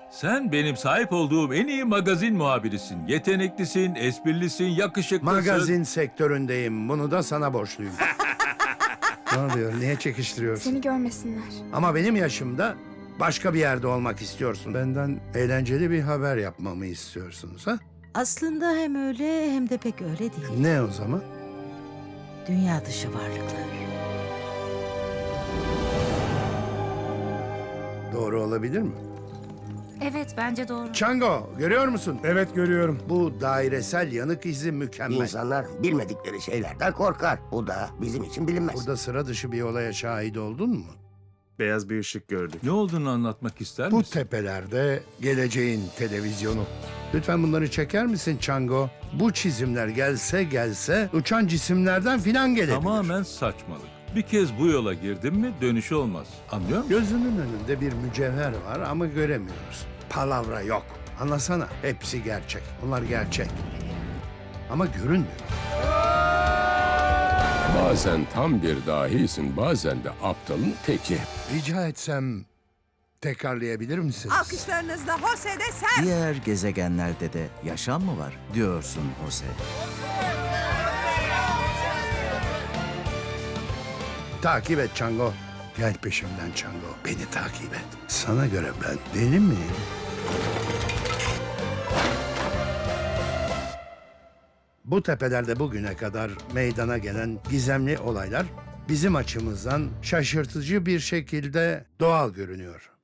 Sen benim sahip olduğum en iyi magazin muhabirisin. Yeteneklisin, esprilisin, yakışıklısın. Magazin sektöründeyim. Bunu da sana borçluyum. Ne oluyor? Niye çekiştiriyorsun? Seni görmesinler. Ama benim yaşımda başka bir yerde olmak istiyorsun. Benden eğlenceli bir haber yapmamı istiyorsunuz ha? Aslında hem öyle hem de pek öyle değil. Ne o zaman? Dünya dışı varlıklar. Doğru olabilir mi? Evet, bence doğru. Chango, görüyor musun? Evet, görüyorum. Bu dairesel yanık izi mükemmel. İnsanlar bilmedikleri şeylerden korkar. Bu da bizim için bilinmez. Burada sıra dışı bir olaya şahit oldun mu? Beyaz bir ışık gördük. Ne olduğunu anlatmak ister Bu misin? tepelerde geleceğin televizyonu. Lütfen bunları çeker misin Chango? Bu çizimler gelse uçan cisimlerden filan gelebilir. Tamamen saçmalık. Bir kez bu yola girdin mi dönüşü olmaz. Anlıyor musun? Gözünün önünde bir mücevher var ama göremiyoruz. Palavra yok. Anlasana. Hepsi gerçek. Onlar gerçek. Ama görünmüyor. Bazen tam bir dahisin, bazen de aptalın teki. Rica etsem tekrarlayabilir misiniz? Alkışlarınızla Jose de sen. Diğer gezegenlerde de yaşam mı var diyorsun Jose? Takip et Chango. Gel peşimden Chango. Beni takip et. Sana göre ben deli miyim? Bu tepelerde bugüne kadar meydana gelen gizemli olaylar bizim açımızdan şaşırtıcı bir şekilde doğal görünüyor.